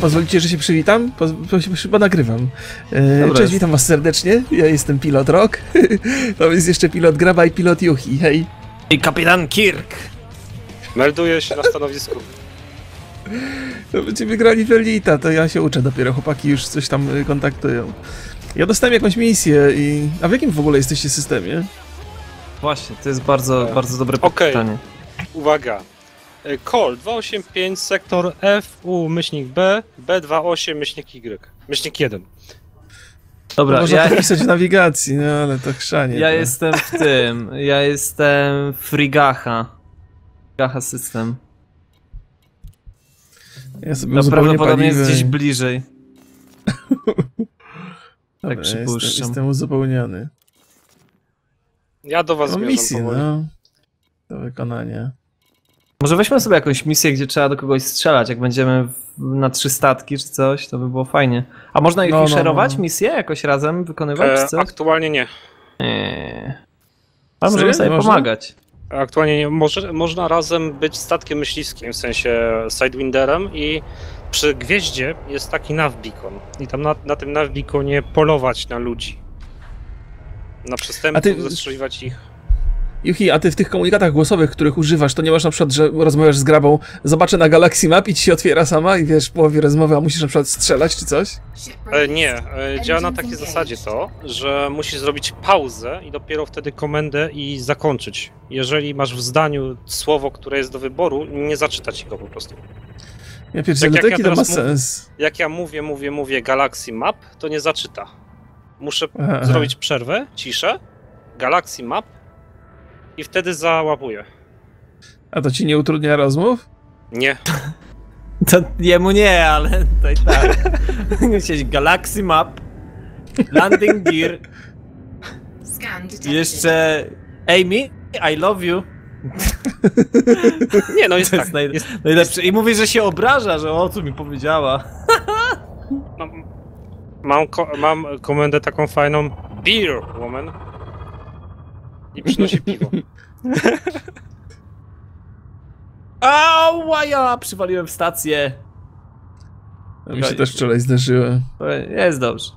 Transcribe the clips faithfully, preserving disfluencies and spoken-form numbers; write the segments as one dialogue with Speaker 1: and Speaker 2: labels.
Speaker 1: pozwolicie, że się przywitam? Poz chyba nagrywam. E, cześć, jest. Witam was serdecznie. Ja jestem pilot Rock. To jest jeszcze pilot Graba i pilot Yuhi. Hej.
Speaker 2: I kapitan Kirk.
Speaker 3: Melduję się na stanowisku.
Speaker 1: To będziemy grali w Elita, to ja się uczę dopiero, chłopaki już coś tam kontaktują. Ja dostałem jakąś misję i... A w jakim w ogóle jesteście systemie?
Speaker 2: Właśnie, to jest bardzo, e... bardzo dobre
Speaker 3: okay.
Speaker 2: pytanie.
Speaker 3: Uwaga. Call dwieście osiemdziesiąt pięć, sektor F, U, myślnik B, B dwadzieścia osiem, myślnik Y, myślnik jeden.
Speaker 1: Dobra, można ja... to pisać w nawigacji, no ale to chrzanie.
Speaker 2: Ja
Speaker 1: to.
Speaker 2: jestem w tym, ja jestem Frigacha. Frigacha system.
Speaker 1: Ja sobie
Speaker 2: no, prawdopodobnie
Speaker 1: paliwę.
Speaker 2: jest gdzieś bliżej.
Speaker 1: Dobra,
Speaker 2: tak przypuszczam.
Speaker 1: Jestem, jestem uzupełniony.
Speaker 3: Ja do was
Speaker 1: no,
Speaker 3: zmierzam
Speaker 1: misję, no. Do wykonania.
Speaker 2: Może weźmy sobie jakąś misję, gdzie trzeba do kogoś strzelać, jak będziemy w, na trzy statki czy coś, to by było fajnie. A można ich no, szerować, no, no. misję jakoś razem wykonywać
Speaker 3: e,
Speaker 2: czy coś?
Speaker 3: Aktualnie nie.
Speaker 2: Nie. Ale możemy sobie można? pomagać.
Speaker 3: Aktualnie nie. Może, można razem być statkiem myśliwskim, w sensie Sidewinderem i przy gwieździe jest taki navbeacon i tam na, na tym navbeaconie polować na ludzi. Na przestępców, ty... zastrzeliwać ich.
Speaker 1: Yuhi, a ty w tych komunikatach głosowych, których używasz, to nie masz na przykład, że rozmawiasz z Grabą, zobaczę na Galaxy Map i ci się otwiera sama i wiesz, w połowie rozmowy, a musisz na przykład strzelać czy coś?
Speaker 3: E, nie, e, działa na takiej zasadzie to, że musisz zrobić pauzę i dopiero wtedy komendę i zakończyć. Jeżeli masz w zdaniu słowo, które jest do wyboru, nie zaczytać go po prostu.
Speaker 1: Ja pierdzielę, jak, jak to ja ma sens.
Speaker 3: Mów, jak ja mówię, mówię, mówię Galaxy Map, to nie zaczyta. Muszę aha, zrobić przerwę, ciszę, Galaxy Map, i wtedy załapuję.
Speaker 1: A to ci nie utrudnia rozmów?
Speaker 3: Nie.
Speaker 2: To jemu nie, ale to i tak. Musisz Galaxy Map, Landing Gear, jeszcze Amy, I love you.
Speaker 3: Nie, no jest
Speaker 2: to
Speaker 3: tak.
Speaker 2: Jest naj...
Speaker 3: jest,
Speaker 2: najlepsze. I mówi, że się obraża, że o co mi powiedziała.
Speaker 3: No, mam, ko mam komendę taką fajną. Beer, woman. I przynosi piwo.
Speaker 2: Ała, ja przywaliłem w stację.
Speaker 1: A mi się też wczoraj zdarzyło.
Speaker 2: Jest dobrze.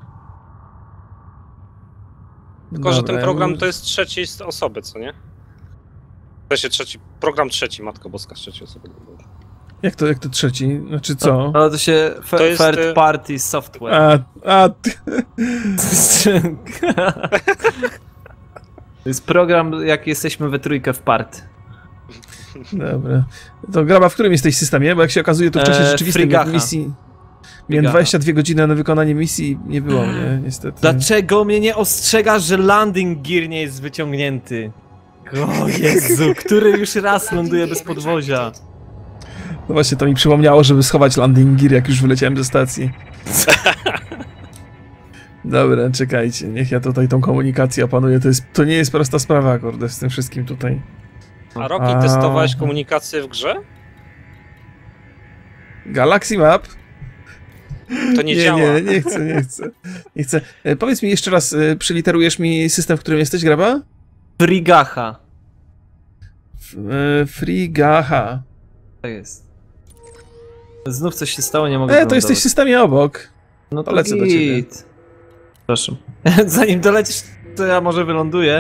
Speaker 3: Tylko, że ten program to jest trzeciej osoby, co nie? To się trzeci, program trzeci, Matko Boska z trzeciej osoby.
Speaker 1: Jak to, jak to trzeci? Znaczy co?
Speaker 2: No to się to jest, third party software.
Speaker 1: A, a ty...
Speaker 2: To jest program, jak jesteśmy we trójkę w party.
Speaker 1: Dobra. To Graba, w którym jesteś systemie? Bo jak się okazuje, to w czasie rzeczywistym eee, misji... Miałem dwadzieścia dwie godziny na wykonanie misji i nie było mnie, niestety.
Speaker 2: Dlaczego mnie nie ostrzegasz, że landing gear nie jest wyciągnięty? O Jezu, który już raz ląduje bez podwozia.
Speaker 1: No właśnie, to mi przypomniało, żeby schować landing gear, jak już wyleciałem ze stacji. Dobra, czekajcie, niech ja tutaj tą komunikację opanuję, to, jest, to nie jest prosta sprawa, kurde, z tym wszystkim tutaj.
Speaker 3: A Rocky, A... testowałeś komunikację w grze?
Speaker 1: Galaxy Map?
Speaker 3: To nie,
Speaker 1: nie
Speaker 3: działa.
Speaker 1: Nie, nie chcę, nie chcę. Nie chcę. E, powiedz mi jeszcze raz, e, przyliterujesz mi system, w którym jesteś, Graba?
Speaker 2: Frigacha.
Speaker 1: F, e, Frigacha.
Speaker 2: To jest. Znów coś się stało, nie mogę
Speaker 1: E, to jesteś w systemie obok.
Speaker 2: No to,
Speaker 1: to lecę do ciebie.
Speaker 2: Proszę. Zanim dolecisz, to ja może wyląduję.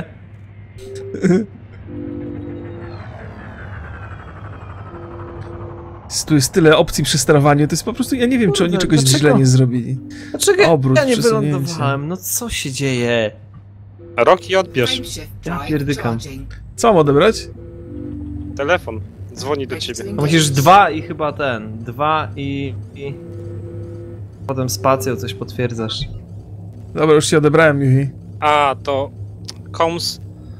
Speaker 1: Tu jest tyle opcji przy sterowaniu, to jest po prostu, ja nie wiem, czy oni czegoś
Speaker 2: dlaczego?
Speaker 1: źle nie zrobili.
Speaker 2: Dlaczego
Speaker 1: Obrót,
Speaker 2: ja nie wylądowałem? No co się dzieje?
Speaker 3: Rocky, odbierz.
Speaker 2: Ja pierdykam.
Speaker 1: Co mam odebrać?
Speaker 3: Telefon. Dzwoni do ciebie.
Speaker 2: No musisz dwa i chyba ten. Dwa i... i... Potem spacją coś potwierdzasz.
Speaker 1: Dobra, już się odebrałem, Yuhi.
Speaker 3: A, to... Coms...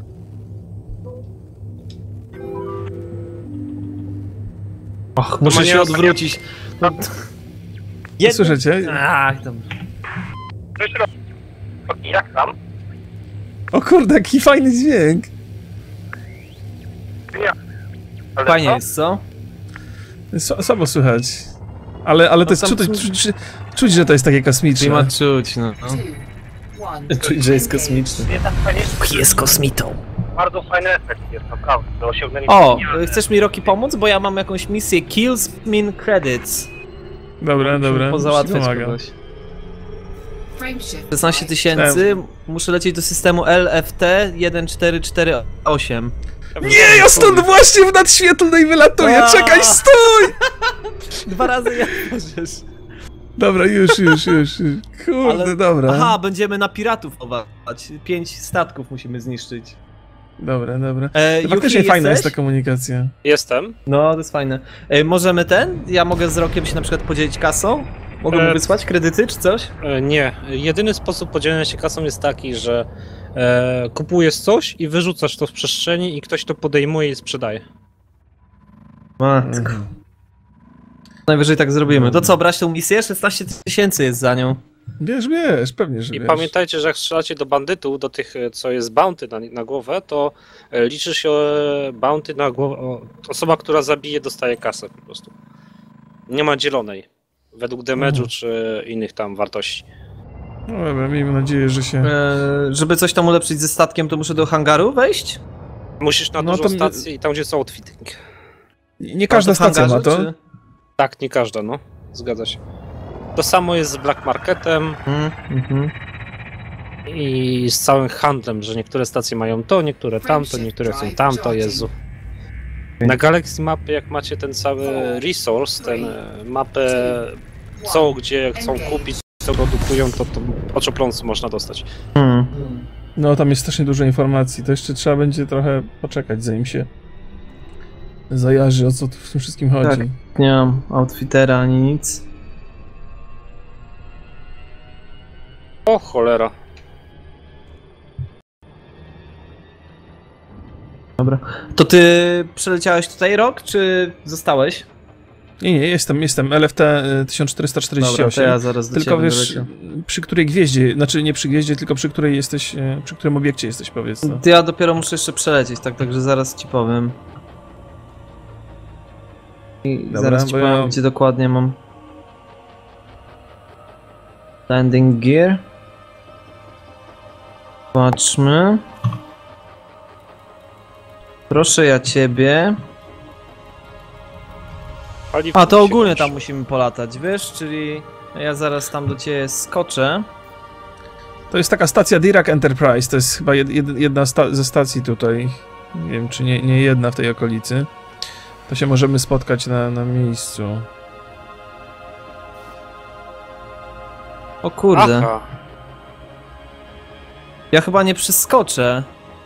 Speaker 2: Och, muszę się odwrócić. No.
Speaker 1: Jed... Słyszycie?
Speaker 2: Ach, tam.
Speaker 3: Jak tam?
Speaker 1: O kurde, jaki fajny dźwięk.
Speaker 2: Fajnie jest, co?
Speaker 1: Słabo słychać. Ale, ale to jest czuć, czuć, czuć, że to jest takie kosmiczne.
Speaker 2: Nie ma czuć, no. Czuć, że jest kosmiczny. Jest kosmitą.
Speaker 3: Bardzo fajny efekt jest, naprawdę. Do osiągnięcia.
Speaker 2: O, chcesz mi, Rocky, pomóc? Bo ja mam jakąś misję Kills Min Credits.
Speaker 1: Dobra, dobra.
Speaker 2: Pozałatwiać kogoś. szesnaście tysięcy, muszę lecieć do systemu L F T jeden cztery cztery osiem.
Speaker 1: Nie, ja stąd właśnie w nadświetlnej wylatuję, czekaj, stój!
Speaker 2: Dwa razy ja możesz.
Speaker 1: Dobra, już, już, już, już. Kurde, ale... dobra.
Speaker 2: Aha, będziemy na piratów ować. Pięć statków musimy zniszczyć.
Speaker 1: Dobra, dobra. E, faktycznie
Speaker 2: Yuki,
Speaker 1: fajna
Speaker 2: jesteś?
Speaker 1: jest ta komunikacja.
Speaker 3: Jestem.
Speaker 2: No, to jest fajne. E, możemy ten? Ja mogę z Rokiem się na przykład podzielić kasą? Mogę e... mu wysłać kredyty czy coś?
Speaker 3: E, nie. Jedyny sposób podzielenia się kasą jest taki, że e, kupujesz coś i wyrzucasz to w przestrzeni i ktoś to podejmuje i sprzedaje.
Speaker 2: Matko. Mhm. Najwyżej tak zrobimy. To co, brać tą misję? szesnaście tysięcy jest za nią.
Speaker 1: Wiesz, wiesz, pewnie, że
Speaker 3: I
Speaker 1: wiesz.
Speaker 3: pamiętajcie, że jak strzelacie do bandytów, do tych, co jest bounty na, na głowę, to liczy się bounty na głowę. Osoba, która zabije, dostaje kasę po prostu. Nie ma dzielonej. Według damage'u mhm. czy innych tam wartości.
Speaker 1: No dobra, miejmy nadzieję, że się...
Speaker 2: Eee, żeby coś tam ulepszyć ze statkiem, to muszę do hangaru wejść?
Speaker 3: Musisz na
Speaker 1: no
Speaker 3: dużą stację i tam, gdzie są outfitting.
Speaker 1: Nie każda stacja hangarze, ma to? Czy...
Speaker 3: Tak, nie każda, no. Zgadza się. To samo jest z Black Marketem mm, mm-hmm. i z całym handlem, że niektóre stacje mają to, niektóre tamto, niektóre chcą tamto, Jezu. Na Galaxy Mapy, jak macie ten cały resource, ten mapę, co gdzie chcą kupić, co produkują, to, to oczopląsu można dostać.
Speaker 2: Mm.
Speaker 1: No tam jest strasznie dużo informacji, to jeszcze trzeba będzie trochę poczekać, zanim się zajarzy, o co tu w tym wszystkim chodzi.
Speaker 2: Tak, nie mam outfitera ani nic.
Speaker 3: O cholera.
Speaker 2: Dobra. To ty przeleciałeś tutaj rok, czy zostałeś?
Speaker 1: Nie, nie, jestem, jestem. L F T tysiąc czterysta czterdzieści osiem.
Speaker 2: Dobra, to ja zaraz do
Speaker 1: tylko wiesz, przy której gwieździe, znaczy nie przy gwieździe, tylko przy której jesteś, przy którym obiekcie jesteś, powiedz. No.
Speaker 2: Ja dopiero muszę jeszcze przelecieć, tak, także zaraz ci powiem. I Dobra, zaraz ci powiem, ja... gdzie dokładnie mam. Landing gear. Patrzmy. Proszę ja ciebie. A to ogólnie tam musimy polatać, wiesz, czyli ja zaraz tam do ciebie skoczę.
Speaker 1: To jest taka stacja Dirac Enterprise, to jest chyba jed, jedna sta ze stacji tutaj. Nie wiem, czy nie, nie jedna w tej okolicy. To się możemy spotkać na, na miejscu.
Speaker 2: O kurde.
Speaker 3: Aha.
Speaker 2: Ja chyba nie przeskoczę.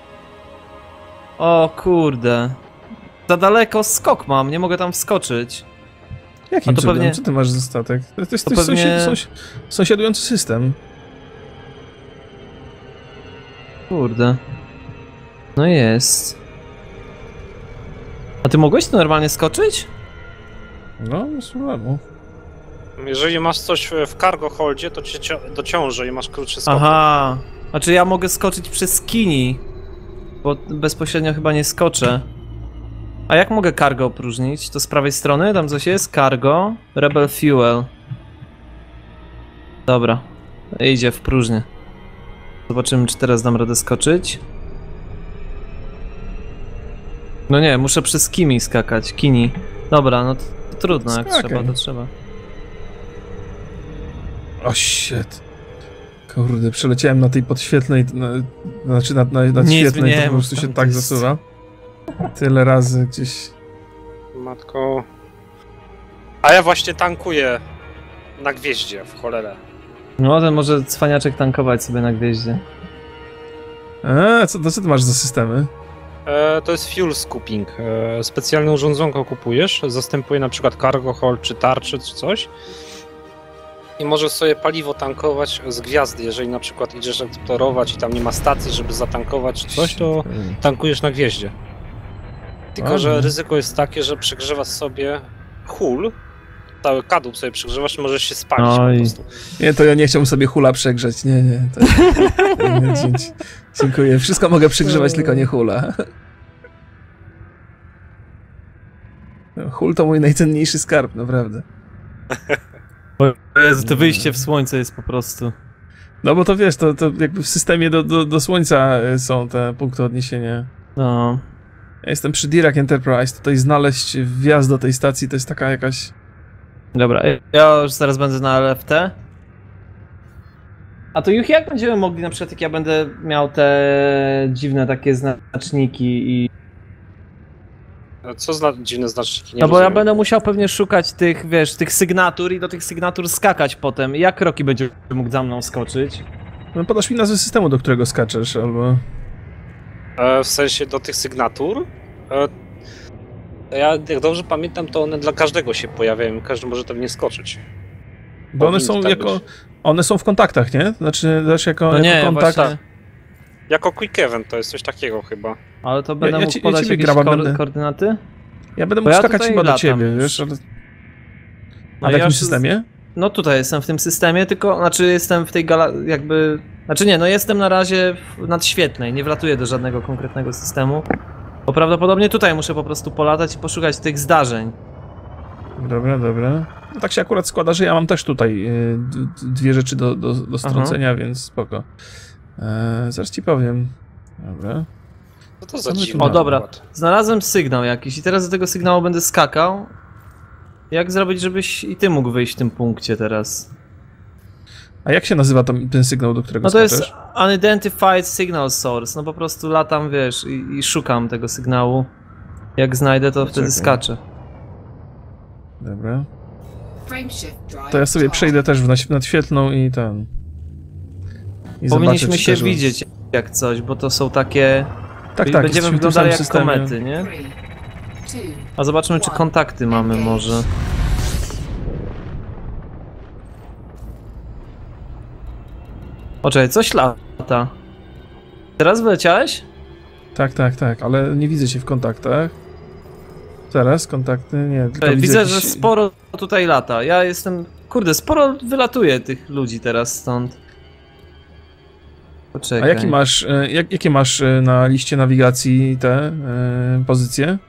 Speaker 2: O kurde. Za daleko skok mam, nie mogę tam wskoczyć.
Speaker 1: Jakim to pewnie... Co ty masz za statek? To jest, to jest pewnie... sąsiad, sąsi... sąsiadujący system.
Speaker 2: Kurde. No jest. A ty mogłeś tu normalnie skoczyć?
Speaker 1: No, bez problemu.
Speaker 3: Jeżeli masz coś w cargo holdzie, to cię dociąży i masz krótszy skok.
Speaker 2: Aha. Znaczy ja mogę skoczyć przez kini. Bo bezpośrednio chyba nie skoczę. A jak mogę cargo opróżnić? To z prawej strony? Tam coś jest? Cargo. Rebel Fuel. Dobra. Idzie w próżnię. Zobaczymy, czy teraz dam radę skoczyć. No nie, muszę przez kimi skakać. Kini. Dobra, no to, to trudno, jak Skakaj. trzeba, to trzeba.
Speaker 1: O shit. Kurde, przeleciałem na tej podświetlnej, na, znaczy na, na, na świetlnej, to po prostu się tak jest... zasuwa. Tyle razy gdzieś.
Speaker 3: Matko. A ja właśnie tankuję na gwieździe, w cholerę.
Speaker 2: No, ten może cwaniaczek tankować sobie na gwieździe.
Speaker 1: A, co, to co ty masz za systemy?
Speaker 3: E, to jest fuel scooping. E, specjalne urządzonko kupujesz, zastępuje na przykład cargo hold, czy tarczy, czy coś. I możesz sobie paliwo tankować z gwiazdy. Jeżeli na przykład idziesz eksplorować i tam nie ma stacji, żeby zatankować czy coś, to tankujesz na gwieździe. Tylko, Ładnie. że ryzyko jest takie, że przegrzewasz sobie hull, cały kadłub sobie przegrzewasz i możesz się spalić Oj. po prostu.
Speaker 1: Nie, to ja nie chciałbym sobie hula przegrzeć, nie, nie. To... nie dziękuję, wszystko mogę przegrzewać, tylko nie hula. Hul to mój najcenniejszy skarb, naprawdę.
Speaker 2: Jezu, to wyjście w słońce jest po prostu...
Speaker 1: No bo to wiesz, to, to jakby w systemie do, do, do słońca są te punkty odniesienia.
Speaker 2: No.
Speaker 1: Ja jestem przy Dirac Enterprise, tutaj znaleźć wjazd do tej stacji to jest taka jakaś
Speaker 2: Dobra, ja już zaraz będę na L F T. A to już jak będziemy mogli, na przykład jak ja będę miał te dziwne takie znaczniki i...
Speaker 3: Co za dziwne znaczniki? Nie
Speaker 2: No bo ja
Speaker 3: rozumiem.
Speaker 2: będę musiał pewnie szukać tych, wiesz, tych sygnatur i do tych sygnatur skakać potem. Jak Rocky będzie mógł za mną skoczyć?
Speaker 1: No podasz mi nazwę systemu, do którego skaczesz, albo...
Speaker 3: E, w sensie do tych sygnatur? E, ja jak dobrze pamiętam, to one dla każdego się pojawiają, każdy może tam nie skoczyć.
Speaker 1: Bo one
Speaker 3: Powinno
Speaker 1: są
Speaker 3: tak
Speaker 1: jako...
Speaker 3: być.
Speaker 1: One są w kontaktach, nie? Znaczy też jako,
Speaker 2: No
Speaker 1: jako
Speaker 2: nie,
Speaker 1: kontakt...
Speaker 2: właśnie.
Speaker 3: Jako quick event to jest coś takiego chyba.
Speaker 2: Ale to będę
Speaker 1: ja
Speaker 2: mógł
Speaker 1: ci- ja
Speaker 2: podać
Speaker 1: ciebie
Speaker 2: jakieś
Speaker 1: graba
Speaker 2: ko
Speaker 1: będę.
Speaker 2: koordynaty?
Speaker 1: Ja będę
Speaker 2: Bo
Speaker 1: mógł
Speaker 2: ja
Speaker 1: skakać
Speaker 2: tutaj
Speaker 1: chyba do
Speaker 2: latam
Speaker 1: ciebie,
Speaker 2: już.
Speaker 1: wiesz? Ale... A
Speaker 2: No
Speaker 1: w
Speaker 2: ja
Speaker 1: jakim
Speaker 2: już z-
Speaker 1: systemie?
Speaker 2: No tutaj jestem w tym systemie, tylko, znaczy jestem w tej gala... jakby... Znaczy nie, no jestem na razie w nadświetlnej, nie wlatuję do żadnego konkretnego systemu. Bo prawdopodobnie tutaj muszę po prostu polatać i poszukać tych zdarzeń.
Speaker 1: Dobra, dobra. No tak się akurat składa, że ja mam też tutaj y, d- d- dwie rzeczy do, do, do strącenia, więc spoko. E, zaraz ci powiem. Dobra.
Speaker 3: Co to za
Speaker 1: Co my tu
Speaker 3: dziwne?
Speaker 1: mamy?
Speaker 2: O dobra,
Speaker 3: akurat?
Speaker 2: znalazłem sygnał jakiś i teraz do tego sygnału będę skakał. Jak zrobić, żebyś i ty mógł wyjść w tym punkcie teraz?
Speaker 1: A jak się nazywa to, ten sygnał, do którego
Speaker 2: No to
Speaker 1: skaczesz?
Speaker 2: jest Unidentified Signal Source, no po prostu latam, wiesz, i, i szukam tego sygnału. Jak znajdę, to wtedy
Speaker 1: Czekaj.
Speaker 2: skaczę.
Speaker 1: Dobra.
Speaker 4: Frameshift drive
Speaker 1: To ja sobie
Speaker 4: start.
Speaker 1: przejdę też w naś- nadświetlną i ten... I
Speaker 2: Powinniśmy
Speaker 1: zobaczę, czy
Speaker 2: się
Speaker 1: też-
Speaker 2: widzieć jak coś, bo to są takie...
Speaker 1: Tak, tak.
Speaker 2: Będziemy
Speaker 1: jesteśmy w tym
Speaker 2: wyglądali
Speaker 1: samym
Speaker 2: jak
Speaker 1: systemie.
Speaker 2: komety, nie?
Speaker 4: Three, two,
Speaker 2: A zobaczmy, czy kontakty mamy może. O, czekaj, coś lata. Teraz wyleciałeś?
Speaker 1: Tak, tak, tak, ale nie widzę cię w kontaktach. Teraz kontakty? Nie, tylko
Speaker 2: Czekaj, widzę, że
Speaker 1: jakiś-
Speaker 2: sporo tutaj lata. Ja jestem... Kurde, sporo wylatuje tych ludzi teraz stąd. Poczekaj.
Speaker 1: A jaki masz, e, jak, jakie masz e, na liście nawigacji te e, pozycje?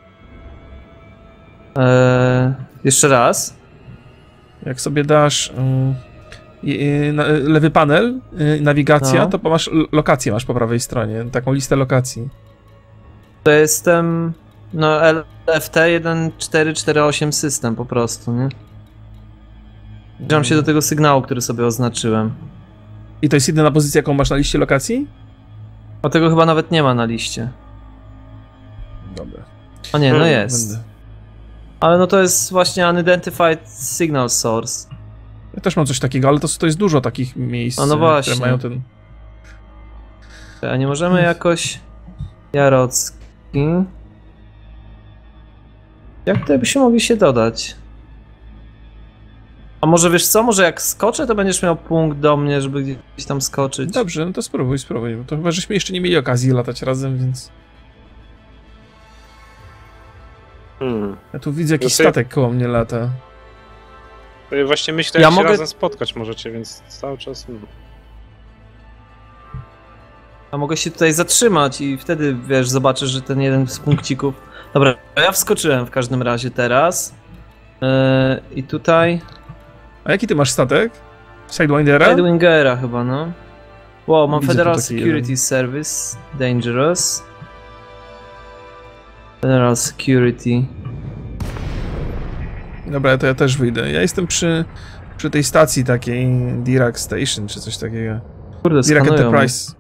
Speaker 2: Eee, jeszcze raz.
Speaker 1: Jak sobie dasz mm, i- i na- lewy panel, y, nawigacja,
Speaker 2: No.
Speaker 1: to masz l- lokację masz po prawej stronie, taką listę lokacji.
Speaker 2: To jestem... No, L F T jeden cztery cztery osiem system po prostu, nie? Zbliżam się do tego sygnału, który sobie oznaczyłem.
Speaker 1: I to jest jedyna pozycja, jaką masz na liście lokacji?
Speaker 2: A tego chyba nawet nie ma na liście.
Speaker 1: Dobra.
Speaker 2: A nie, no
Speaker 3: Hmm,
Speaker 2: jest.
Speaker 1: Będę.
Speaker 2: Ale no to jest właśnie Unidentified Signal Source.
Speaker 1: Ja też mam coś takiego, ale to, to jest dużo takich miejsc,
Speaker 2: A no
Speaker 1: e,
Speaker 2: właśnie.
Speaker 1: które mają ten...
Speaker 2: A nie możemy jakoś... Jarocki... Jak to byśmy mogli się dodać? A może wiesz co, może jak skoczę, to będziesz miał punkt do mnie, żeby gdzieś tam skoczyć.
Speaker 1: Dobrze, no to spróbuj, spróbuj, bo to chyba żeśmy jeszcze nie mieli okazji latać razem, więc...
Speaker 3: Hmm.
Speaker 1: Ja tu widzę jakiś
Speaker 3: Ja sobie-
Speaker 1: statek koło mnie lata.
Speaker 3: To ja właśnie myślę,
Speaker 2: Ja
Speaker 3: jak się
Speaker 2: mogę-
Speaker 3: razem spotkać możecie, więc cały czas... Hmm.
Speaker 2: A mogę się tutaj zatrzymać i wtedy, wiesz, zobaczysz, że ten jeden z punkcików... Dobra, ja wskoczyłem w każdym razie teraz. Yy, I tutaj...
Speaker 1: A jaki ty masz statek? Sidewindera?
Speaker 2: Sidewingera chyba, no. Wow, mam
Speaker 1: Widzę tu
Speaker 2: Federal
Speaker 1: taki
Speaker 2: Security
Speaker 1: jeden.
Speaker 2: Service. Dangerous. Federal Security.
Speaker 1: Dobra, to ja też wyjdę. Ja jestem przy, przy tej stacji takiej, Dirac Station, czy coś takiego.
Speaker 2: Kurde,
Speaker 1: Dirac
Speaker 2: skanują.
Speaker 1: Enterprise.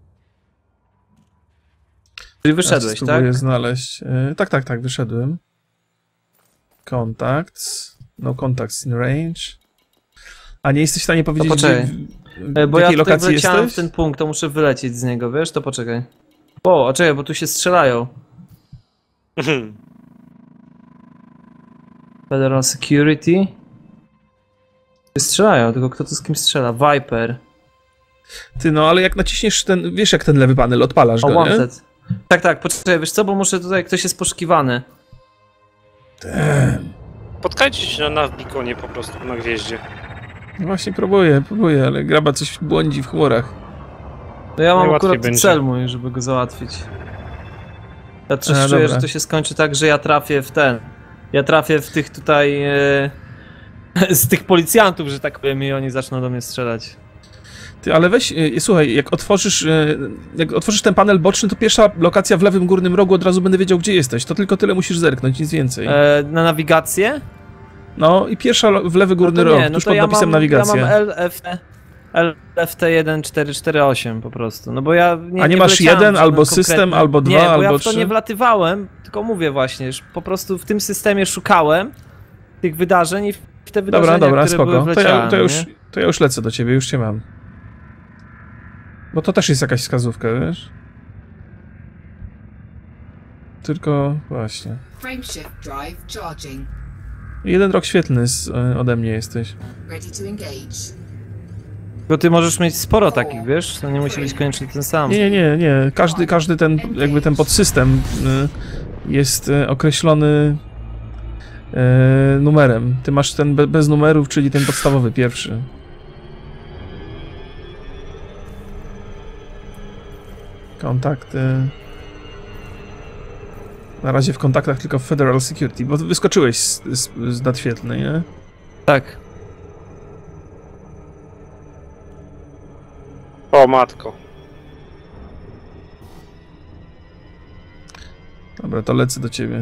Speaker 2: Czyli
Speaker 1: Ja
Speaker 2: wyszedłeś, tak?
Speaker 1: spróbuję znaleźć. E, tak, tak, tak, wyszedłem. Contacts. No contacts in range. A nie jesteś w stanie powiedzieć,
Speaker 2: poczekaj.
Speaker 1: gdzie, w,
Speaker 2: E,
Speaker 1: w
Speaker 2: Bo ja
Speaker 1: jakiej
Speaker 2: tutaj
Speaker 1: lokacji
Speaker 2: wleciałem
Speaker 1: jesteś?
Speaker 2: w ten punkt, to muszę wylecieć z niego, wiesz? To poczekaj. O, a czekaj, bo tu się strzelają. Federal Security. Się strzelają, tylko kto tu z kim strzela? Viper.
Speaker 1: Ty, no ale jak naciśniesz ten, wiesz jak ten lewy panel, odpalasz
Speaker 2: O,
Speaker 1: go, nie?
Speaker 2: Wanted. Tak, tak, poczekaj, wiesz co, bo muszę tutaj, ktoś jest poszukiwany.
Speaker 1: Ten.
Speaker 3: Spotkajcie się na Navbeaconie po prostu, na gwieździe.
Speaker 1: No właśnie próbuję, próbuję, ale graba coś błądzi w chmurach.
Speaker 2: No ja mam
Speaker 3: Najłatwiej
Speaker 2: akurat
Speaker 3: będzie.
Speaker 2: cel mój, żeby go załatwić. Ja też
Speaker 1: A,
Speaker 2: czuję,
Speaker 1: dobra.
Speaker 2: że to się skończy tak, że ja trafię w ten. Ja trafię w tych tutaj... E, z tych policjantów, że tak powiem, i oni zaczną do mnie strzelać.
Speaker 1: Ty, ale weź, y, słuchaj, jak otworzysz, y, jak otworzysz ten panel boczny, to pierwsza lokacja w lewym górnym rogu, od razu będę wiedział, gdzie jesteś. To tylko tyle musisz zerknąć, nic więcej.
Speaker 2: E, na nawigację?
Speaker 1: No i pierwsza w lewy górny
Speaker 2: no
Speaker 1: roh,
Speaker 2: nie, no
Speaker 1: tuż
Speaker 2: to
Speaker 1: pod
Speaker 2: ja
Speaker 1: napisem
Speaker 2: mam,
Speaker 1: nawigacja.
Speaker 2: Ja mam L F T, L F T jeden cztery cztery osiem po prostu, no bo ja nie
Speaker 1: A nie masz
Speaker 2: wleciałem
Speaker 1: jeden,
Speaker 2: w
Speaker 1: albo
Speaker 2: żaden
Speaker 1: system,
Speaker 2: konkretny...
Speaker 1: albo dwa,
Speaker 2: nie, bo
Speaker 1: albo
Speaker 2: ja w to
Speaker 1: trzy?
Speaker 2: nie wlatywałem, tylko mówię właśnie, że po prostu w tym systemie szukałem tych wydarzeń i w te wydarzenia,
Speaker 1: Dobra, dobra,
Speaker 2: które były
Speaker 1: spoko. To
Speaker 2: wleciałem,
Speaker 1: ja, to, już,
Speaker 2: nie?
Speaker 1: to ja już lecę do ciebie, już cię mam. Bo to też jest jakaś wskazówka, wiesz? Tylko właśnie.
Speaker 4: Frameshift drive charging.
Speaker 1: Jeden rok świetlny z, e, ode mnie jesteś.
Speaker 4: Ready to engage.
Speaker 2: Bo ty możesz mieć sporo takich, wiesz? To nie musi być koniecznie ten sam.
Speaker 1: Nie, nie, nie, nie. Każdy, każdy ten, jakby ten podsystem y, jest y, określony y, numerem. Ty masz ten be, bez numerów, czyli ten podstawowy, pierwszy. Kontakty. Na razie w kontaktach tylko w Federal Security, bo wyskoczyłeś z, z, z nadświetlnej, nie?
Speaker 2: Tak.
Speaker 3: O matko.
Speaker 1: Dobra, to lecę do ciebie.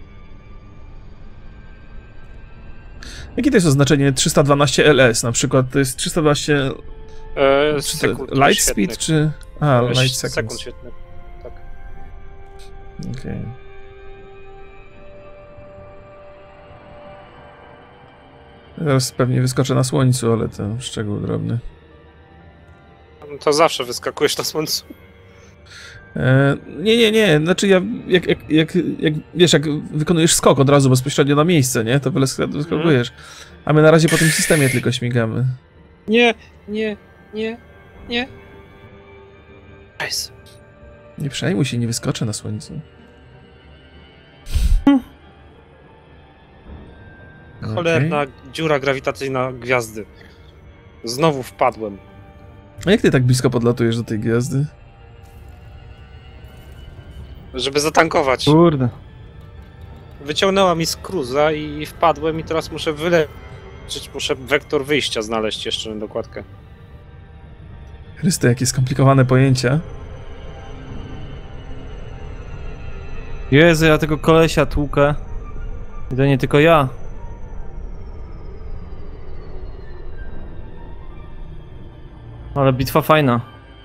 Speaker 1: Jakie to jest oznaczenie trzysta dwanaście L S? Na przykład to jest trzysta dwanaście
Speaker 3: E,
Speaker 1: czy to
Speaker 3: sekund
Speaker 1: light
Speaker 3: świetnych.
Speaker 1: speed, czy... A,
Speaker 3: E,
Speaker 1: light
Speaker 3: sekund
Speaker 1: seconds.
Speaker 3: świetnych. Tak.
Speaker 1: Okej. Zaraz pewnie wyskoczę na słońcu, ale to szczegół drobny.
Speaker 3: To zawsze wyskakujesz na słońcu.
Speaker 1: E, nie, nie, nie, znaczy ja, jak, jak, jak, jak, wiesz, jak wykonujesz skok od razu bezpośrednio na miejsce, nie, to wyskakujesz. A my na razie po tym systemie tylko śmigamy.
Speaker 3: Nie, nie, nie, nie. Nice.
Speaker 1: Nie przejmuj się, nie wyskoczę na słońcu.
Speaker 3: Cholerna
Speaker 1: Okej.
Speaker 3: dziura grawitacyjna gwiazdy. Znowu wpadłem.
Speaker 1: A jak ty tak blisko podlatujesz do tej gwiazdy?
Speaker 3: Żeby zatankować.
Speaker 2: Kurde.
Speaker 3: Wyciągnęła mi z cruza i wpadłem i teraz muszę wyleczyć. Muszę wektor wyjścia znaleźć jeszcze na dokładkę.
Speaker 1: Chryste, jakie skomplikowane pojęcia.
Speaker 2: Jezu, ja tego kolesia tłukę. I to nie tylko ja. Ale bitwa fajna.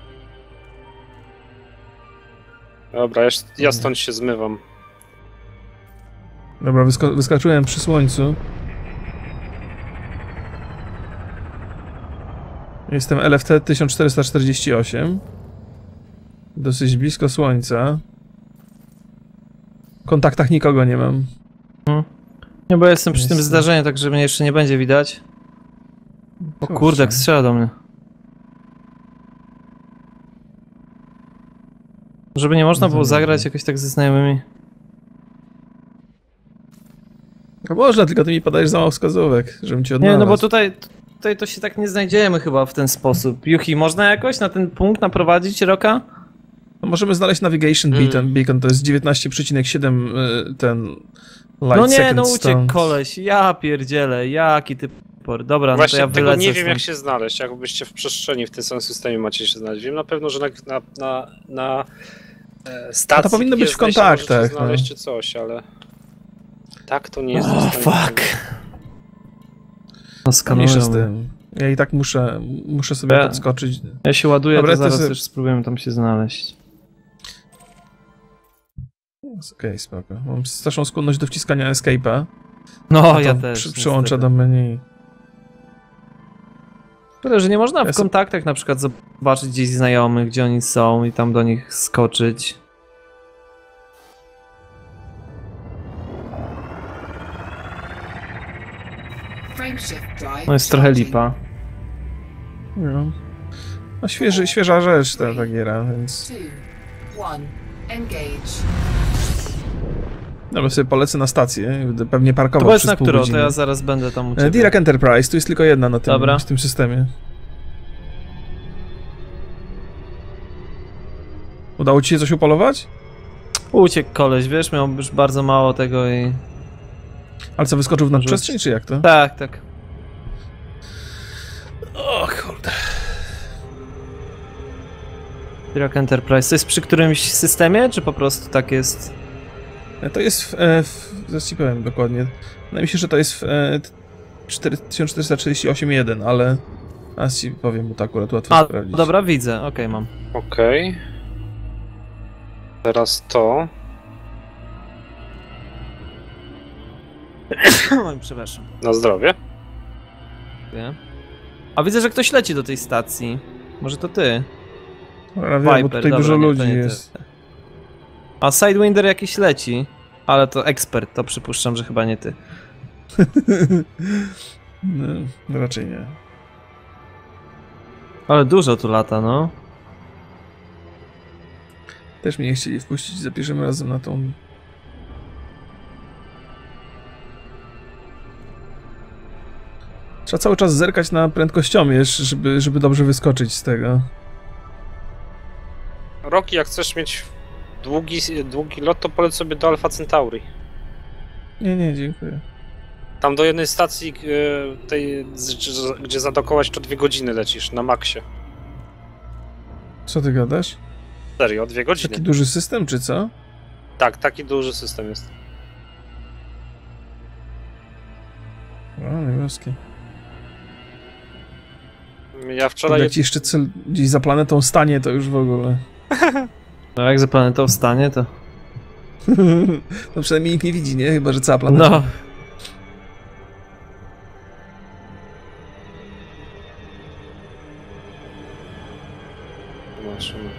Speaker 3: Dobra, ja, ja stąd się zmywam.
Speaker 1: Dobra, wysko wyskoczyłem przy słońcu. Jestem L F T tysiąc czterysta czterdzieści osiem. Dosyć blisko słońca. W kontaktach nikogo nie mam.
Speaker 2: Nie, bo ja jestem przy tym
Speaker 1: Jestem.
Speaker 2: zdarzeniu, tak że mnie jeszcze nie będzie widać. O
Speaker 1: Kurczę.
Speaker 2: kurde, jak strzela do mnie. Żeby nie można było zagrać jakoś tak ze znajomymi.
Speaker 1: No można, tylko ty mi podajesz za mało wskazówek, żebym cię
Speaker 2: Nie,
Speaker 1: odnalazł.
Speaker 2: no bo tutaj, tutaj to się tak nie znajdziemy chyba w ten sposób. Yuki, można jakoś na ten punkt naprowadzić Roka?
Speaker 1: No możemy znaleźć Navigation
Speaker 3: Mm.
Speaker 1: Beacon, beacon to jest dziewiętnaście przecinek siedem y, ten light
Speaker 2: No nie,
Speaker 1: second
Speaker 2: no uciekł
Speaker 1: stąd.
Speaker 2: koleś, ja pierdzielę, jaki ty por. Dobra,
Speaker 3: Właśnie
Speaker 2: no to ja
Speaker 3: tego
Speaker 2: wylecę
Speaker 3: nie wiem
Speaker 2: stąd.
Speaker 3: jak się znaleźć, jakbyście w przestrzeni w tym samym systemie macie się znaleźć. Wiem na pewno, że na, na, na, na e, stacji
Speaker 1: A to powinno być
Speaker 3: jest
Speaker 1: w kontaktach,
Speaker 3: możecie znaleźć
Speaker 1: no.
Speaker 3: czy coś, ale tak to nie jest.
Speaker 2: O, fuck. No
Speaker 1: Mniejsza z
Speaker 2: skanuję.
Speaker 1: tym. Ja i tak muszę, muszę sobie
Speaker 2: Ja-
Speaker 1: podskoczyć.
Speaker 2: Ja się ładuję,
Speaker 1: Dobra,
Speaker 2: to
Speaker 1: to
Speaker 2: zaraz
Speaker 1: se-
Speaker 2: też spróbujemy tam się znaleźć.
Speaker 1: Okej, okay, spoko. Mam straszną skłonność do wciskania escape'a.
Speaker 2: No,
Speaker 1: A to
Speaker 2: ja też.
Speaker 1: Przy, przyłączę
Speaker 2: niestety.
Speaker 1: do menu.
Speaker 2: Tyle, że nie można
Speaker 1: Ja
Speaker 2: w
Speaker 1: so-
Speaker 2: kontaktach na przykład zobaczyć gdzieś znajomych, gdzie oni są i tam do nich skoczyć.
Speaker 4: Frameshift drive
Speaker 2: No jest trochę
Speaker 4: charging.
Speaker 2: lipa.
Speaker 1: No, no świeży, świeża rzecz ta, ta giera, więc...
Speaker 4: Two, one, engage.
Speaker 1: Dobra, sobie polecę na stację, będę pewnie
Speaker 2: To
Speaker 1: parkował
Speaker 2: powiedz
Speaker 1: przez
Speaker 2: na
Speaker 1: pół
Speaker 2: którą, to
Speaker 1: godziny.
Speaker 2: ja zaraz będę tam u
Speaker 1: E,
Speaker 2: ciebie.
Speaker 1: Dirac Enterprise, tu jest tylko jedna na tym,
Speaker 2: Dobra.
Speaker 1: w tym systemie. Udało ci się coś upolować?
Speaker 2: Uciekł koleś, wiesz, miał już bardzo mało tego i...
Speaker 1: Ale co, wyskoczył w nadprzestrzeń, czy jak to?
Speaker 2: Tak, tak.
Speaker 1: O kurde.
Speaker 2: Dirac Enterprise, to jest przy którymś systemie, czy po prostu tak jest?
Speaker 1: E, To jest w... E, w zaraz ci powiem dokładnie. Wydaje mi się, że to jest w, e, t- tysiąc czterysta trzydzieści osiem jeden, ale... A ci powiem, bo to akurat łatwo
Speaker 2: A,
Speaker 1: sprawdzić.
Speaker 2: dobra, widzę, okej, mam.
Speaker 3: Okej. Teraz to.
Speaker 2: Oj, przepraszam.
Speaker 3: Na zdrowie.
Speaker 2: Nie? A widzę, że ktoś leci do tej stacji. Może to ty?
Speaker 1: Dobra, wiem, bo
Speaker 2: Viper,
Speaker 1: tutaj
Speaker 2: dobra,
Speaker 1: dużo
Speaker 2: nie, to
Speaker 1: ludzi
Speaker 2: nie ty.
Speaker 1: jest.
Speaker 2: A Sidewinder jakiś leci. Ale to ekspert, to przypuszczam, że chyba nie ty.
Speaker 1: No, raczej nie.
Speaker 2: Ale dużo tu lata, no.
Speaker 1: Też mnie nie chcieli wpuścić za pierwszym razem na tą... Trzeba cały czas zerkać na prędkościomierz, żeby, żeby dobrze wyskoczyć z tego.
Speaker 3: Roki, jak chcesz mieć długi, długi lot, to poleć sobie do Alpha Centauri.
Speaker 1: Nie, nie, dziękuję.
Speaker 3: Tam do jednej stacji, e, tej, z- gdzie zadokować, to dwie godziny lecisz, na maksie.
Speaker 1: Co ty gadasz?
Speaker 3: Serio, dwie godziny.
Speaker 1: Taki duży system, czy co?
Speaker 3: Tak, taki duży system jest.
Speaker 1: O, niebieski.
Speaker 3: Ja wczoraj...
Speaker 1: Jak ci jeszcze cel gdzieś za planetą stanie, to już w ogóle.
Speaker 2: No jak za planetą wstanie, to...
Speaker 1: No przynajmniej nikt nie widzi, nie? Chyba, że cała planeta.
Speaker 2: No.
Speaker 3: Zobaczymy.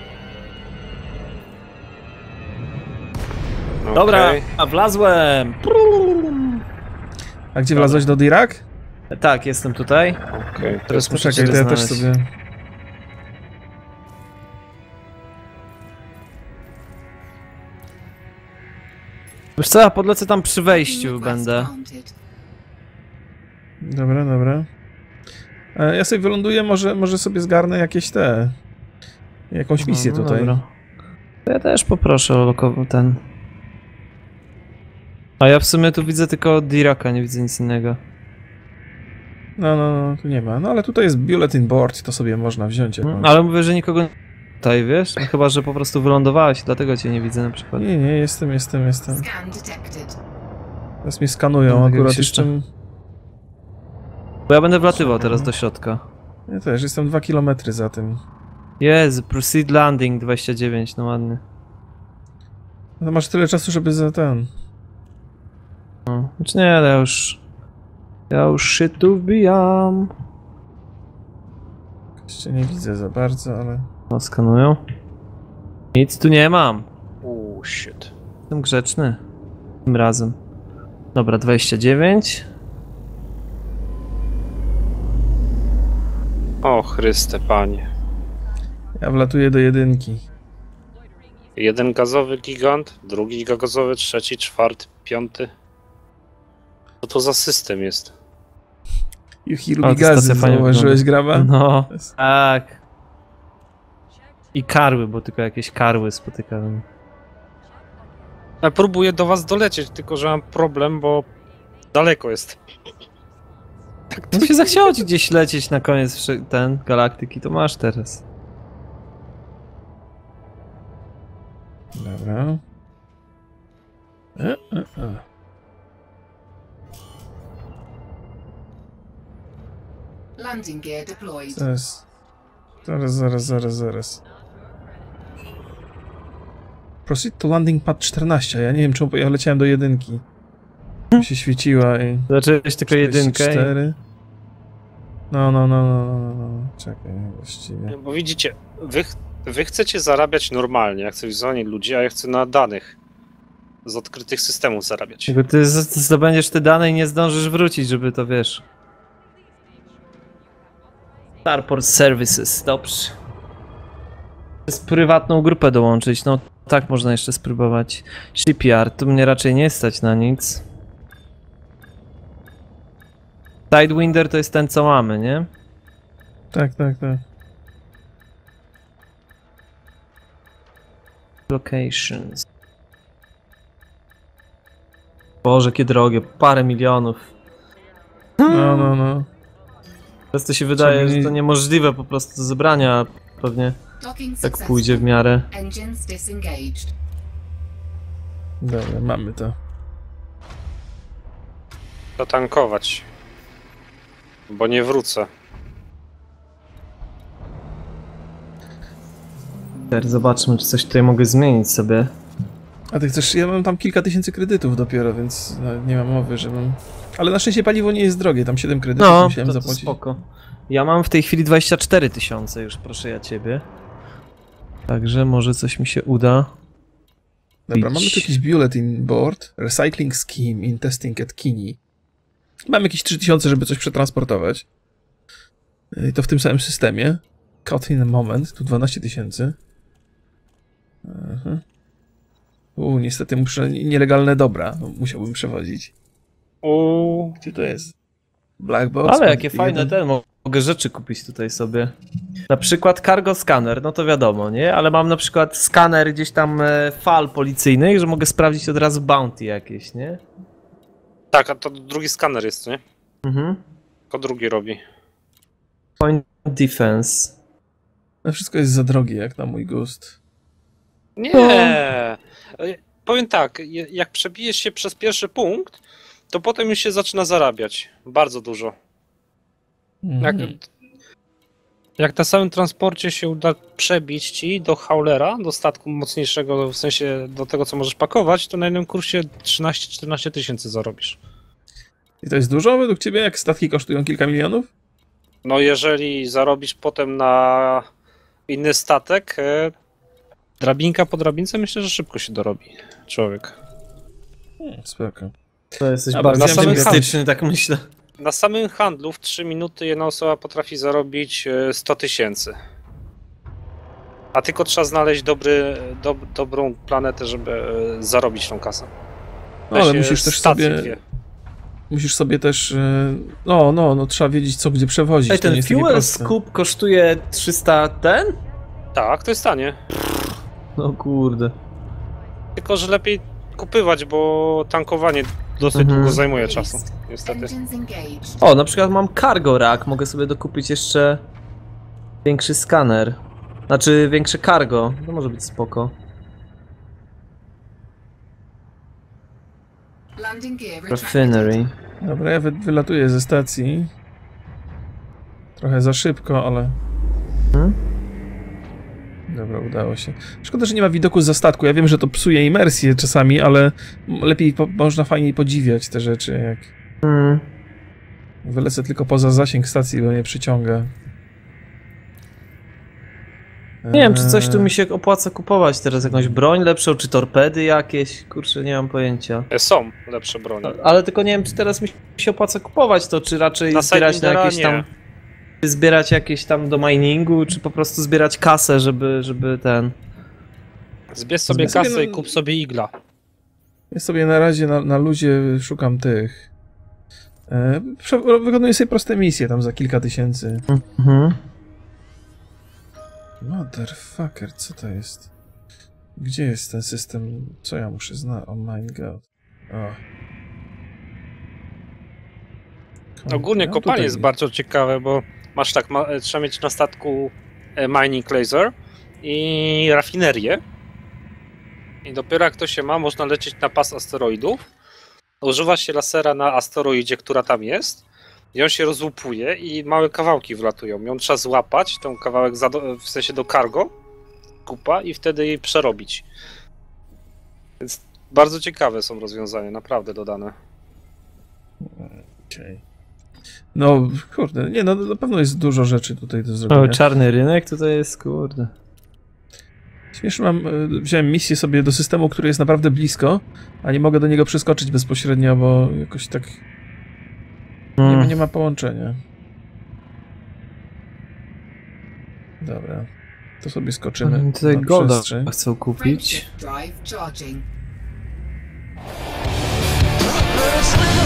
Speaker 2: Dobra,
Speaker 3: Okej.
Speaker 2: a wlazłem!
Speaker 1: A gdzie wlazłeś do Dirac?
Speaker 2: Tak, jestem tutaj.
Speaker 3: Okej.
Speaker 2: Teraz muszę
Speaker 1: Poczekaj, to
Speaker 2: cię
Speaker 1: ja też
Speaker 2: znaleźć.
Speaker 1: sobie...
Speaker 2: Wiesz co, ja podlecę tam przy wejściu
Speaker 4: Request
Speaker 2: będę.
Speaker 4: granted.
Speaker 1: Dobra, dobra. E, Ja sobie wyląduję, może, może sobie zgarnę jakieś te... Jakąś misję
Speaker 2: No,
Speaker 1: tutaj.
Speaker 2: dobra. To ja też poproszę o lokowy ten. A ja w sumie tu widzę tylko Diraka, nie widzę nic innego.
Speaker 1: No, no, no, tu nie ma. No ale tutaj jest bulletin board, to sobie można wziąć jakąś.
Speaker 2: Ale mówię, że nikogo nie tutaj, wiesz? No, chyba, że po prostu wylądowałeś, dlatego cię nie widzę na przykład.
Speaker 1: Nie, nie, jestem, jestem, jestem.
Speaker 4: Scan detected.
Speaker 1: Teraz mnie skanują
Speaker 2: No,
Speaker 1: akurat
Speaker 2: jakbyś
Speaker 1: jeszcze.
Speaker 2: jeszcze- Bo ja będę wlatywał teraz do środka.
Speaker 1: Ja też jestem dwa kilometry za tym.
Speaker 2: Jezu, proceed landing dwadzieścia dziewięć, no ładny.
Speaker 1: No masz tyle czasu, żeby za ten.
Speaker 2: No. Znaczy nie, ale ja już... Ja już się tu wbijam.
Speaker 1: Jeszcze nie widzę za bardzo, ale.
Speaker 2: No, skanują. Nic tu nie mam.
Speaker 3: Uuu, shit.
Speaker 2: Jestem grzeczny. Tym razem. Dobra, dwadzieścia dziewięć.
Speaker 3: O Chryste, panie.
Speaker 1: Ja wlatuję do jedynki.
Speaker 3: Jeden gazowy gigant, drugi gazowy, trzeci, czwarty, piąty. Co to za system jest?
Speaker 1: You
Speaker 2: O,
Speaker 1: hear
Speaker 2: to
Speaker 1: me gazy,
Speaker 2: stacja fajnie
Speaker 1: zauważyłeś graba?
Speaker 2: No, tak. I karły, bo tylko jakieś karły spotykałem.
Speaker 3: Ja próbuję do was dolecieć, tylko że mam problem, bo daleko jest.
Speaker 2: No się zachciało ci gdzieś lecieć na koniec wszy- ten galaktyki, to masz teraz.
Speaker 1: Dobra. E, e, e.
Speaker 4: Landing gear deployed.
Speaker 1: Zaraz. Zaraz, zaraz, zaraz, zaraz. Proceed to landing pad czternaście. Ja nie wiem, czemu ja leciałem do jedynki. Mi się świeciła i...
Speaker 2: Zacząłeś tylko jedynkę. i-
Speaker 1: cztery. No, no, no, no, no, no, no. Czekaj, właściwie.
Speaker 3: Bo widzicie, wy, ch- wy chcecie zarabiać normalnie, jak chcę w zonie ludzi, a ja chcę na danych z odkrytych systemów zarabiać.
Speaker 2: Jakby ty z- zdobędziesz te dane i nie zdążysz wrócić, żeby to wiesz. Starport Services, dobrze. Z prywatną grupę dołączyć, no tak można jeszcze spróbować. Shipyard, tu mnie raczej nie stać na nic. Sidewinder to jest ten, co mamy, nie?
Speaker 1: Tak, tak, tak.
Speaker 2: Locations. Boże, jakie drogie, parę milionów.
Speaker 1: No, no, no.
Speaker 2: Teraz to się wydaje,
Speaker 1: Trzeba
Speaker 2: że to
Speaker 1: nie-
Speaker 2: niemożliwe po prostu do zebrania, a pewnie
Speaker 4: Docking
Speaker 2: tak pójdzie w
Speaker 4: successful.
Speaker 2: miarę.
Speaker 4: Engines disengaged.
Speaker 1: Dobra, mamy to.
Speaker 3: Zatankować. bo nie wrócę.
Speaker 2: Teraz zobaczmy, czy coś tutaj mogę zmienić sobie.
Speaker 1: A ty chcesz, ja mam tam kilka tysięcy kredytów dopiero, więc no, nie mam mowy, żebym... Ale na szczęście paliwo nie jest drogie, tam siedem kredytów
Speaker 2: No,
Speaker 1: musiałem
Speaker 2: to, to
Speaker 1: zapłacić.
Speaker 2: spoko. Ja mam w tej chwili dwadzieścia cztery tysiące już, proszę ja ciebie. Także może coś mi się uda.
Speaker 1: Dobra, mamy tu jakiś bulletin board, recycling scheme in testing at Kini. Mam jakieś trzy tysiące, żeby coś przetransportować. I to w tym samym systemie. Cut in a moment, tu dwanaście tysięcy. Uuu, niestety muszę nielegalne dobra, musiałbym przewozić.
Speaker 3: Uuu.
Speaker 1: Gdzie to jest? Black box.
Speaker 2: Ale jakie
Speaker 1: jeden.
Speaker 2: fajne ten, mogę rzeczy kupić tutaj sobie. Na przykład cargo scanner, no to wiadomo, nie? Ale mam na przykład skaner gdzieś tam e, fal policyjnych, że mogę sprawdzić od razu bounty jakieś, nie?
Speaker 3: Tak, a to drugi skaner jest, nie?
Speaker 2: Mhm.
Speaker 3: Tylko drugi robi.
Speaker 2: Point defense.
Speaker 1: No wszystko jest za drogie, jak na mój gust.
Speaker 3: Nie! Powiem tak, je- jak przebijesz się przez pierwszy punkt, to potem już się zaczyna zarabiać. Bardzo dużo. Jak,
Speaker 1: Mhm.
Speaker 3: jak na samym transporcie się uda przebić ci do haulera, do statku mocniejszego, w sensie do tego, co możesz pakować, to na jednym kursie trzynaście czternaście tysięcy zarobisz.
Speaker 1: I to jest dużo według ciebie, jak statki kosztują kilka milionów?
Speaker 3: No jeżeli zarobisz potem na inny statek, e, drabinka po drabince, myślę, że szybko się dorobi człowiek.
Speaker 1: Hmm, spoko.
Speaker 2: To jesteś
Speaker 1: Dobra,
Speaker 2: bardzo
Speaker 3: na samym
Speaker 2: optymistyczny, tak myślę.
Speaker 3: Na samym handlu w trzy minuty jedna osoba potrafi zarobić e, sto tysięcy. A tylko trzeba znaleźć dobry, do, dobrą planetę, żeby e, zarobić tą kasę.
Speaker 1: No, ale
Speaker 3: Weź, e,
Speaker 1: musisz też
Speaker 3: stacje
Speaker 1: sobie...
Speaker 3: dwie.
Speaker 1: Musisz sobie też... e, No, no, no, trzeba wiedzieć, co gdzie przewozić.
Speaker 2: Ej,
Speaker 1: to nie
Speaker 2: ten
Speaker 1: jest takie
Speaker 2: fuel
Speaker 1: proste.
Speaker 2: scoop kosztuje trzysta ten?
Speaker 3: Tak, to jest tanie.
Speaker 2: No kurde.
Speaker 3: Tylko, że lepiej kupywać, bo tankowanie dosyć
Speaker 2: Mhm.
Speaker 3: długo zajmuje czasu, niestety.
Speaker 4: Engines engaged.
Speaker 2: O, na przykład mam cargo rack, mogę sobie dokupić jeszcze większy skaner. Znaczy większe cargo, to może być spoko.
Speaker 4: Landing gear retracted.
Speaker 2: Refinery.
Speaker 1: Dobra, ja wy, wylatuję ze stacji. Trochę za szybko, ale...
Speaker 2: Hmm?
Speaker 1: Dobra, udało się. Szkoda, że nie ma widoku za statku. Ja wiem, że to psuje imersję czasami, ale lepiej po, można fajniej podziwiać te rzeczy, jak
Speaker 2: Hmm.
Speaker 1: wylecę tylko poza zasięg stacji, bo mnie przyciąga.
Speaker 2: Nie wiem, czy coś tu
Speaker 1: Eee,
Speaker 2: mi się opłaca kupować teraz, jakąś broń lepszą, czy torpedy jakieś, kurczę, nie mam pojęcia.
Speaker 3: E, Są lepsze broni.
Speaker 2: Ale tylko nie wiem, czy teraz mi się opłaca kupować to, czy raczej
Speaker 3: Na
Speaker 2: zbierać na
Speaker 3: Sidewindera
Speaker 2: jakieś tam...
Speaker 3: nie.
Speaker 2: Czy zbierać jakieś tam do miningu, czy po prostu zbierać kasę, żeby, żeby ten...
Speaker 3: Zbierz sobie
Speaker 1: Zbierz sobie
Speaker 3: kasę
Speaker 1: na-
Speaker 3: i kup sobie igla.
Speaker 1: Ja sobie na razie na, na luzie szukam tych. E, prze- wykonuję sobie proste misje tam za kilka tysięcy.
Speaker 2: Mhm.
Speaker 1: Motherfucker, co to jest? Gdzie jest ten system? Co ja muszę znać? Oh my god. O.
Speaker 3: Ogólnie
Speaker 1: No,
Speaker 3: kopanie
Speaker 1: tutaj.
Speaker 3: jest bardzo ciekawe, bo masz tak, ma, trzeba mieć na statku e, mining laser i rafinerię. I dopiero jak to się ma, można lecieć na pas asteroidów. Używa się lasera na asteroidzie, która tam jest. I on się rozłupuje i małe kawałki wlatują. Ją trzeba złapać, ten kawałek za do, w sensie do cargo, kupa i wtedy jej przerobić. Więc bardzo ciekawe są rozwiązania, naprawdę dodane.
Speaker 1: Okej. No, kurde, nie no, na pewno jest dużo rzeczy tutaj do zrobienia.
Speaker 2: O, czarny rynek tutaj jest, kurde.
Speaker 1: Śmiesznie mam, e, wziąłem misję sobie do systemu, który jest naprawdę blisko, a nie mogę do niego przeskoczyć bezpośrednio, bo jakoś tak nie, ma-
Speaker 2: Mm.
Speaker 1: nie ma połączenia. Dobra, to sobie skoczymy
Speaker 2: Oni tutaj
Speaker 1: na
Speaker 2: golda
Speaker 1: przestrzeń.
Speaker 2: chcą kupić.
Speaker 4: Frameshift drive charging.
Speaker 5: First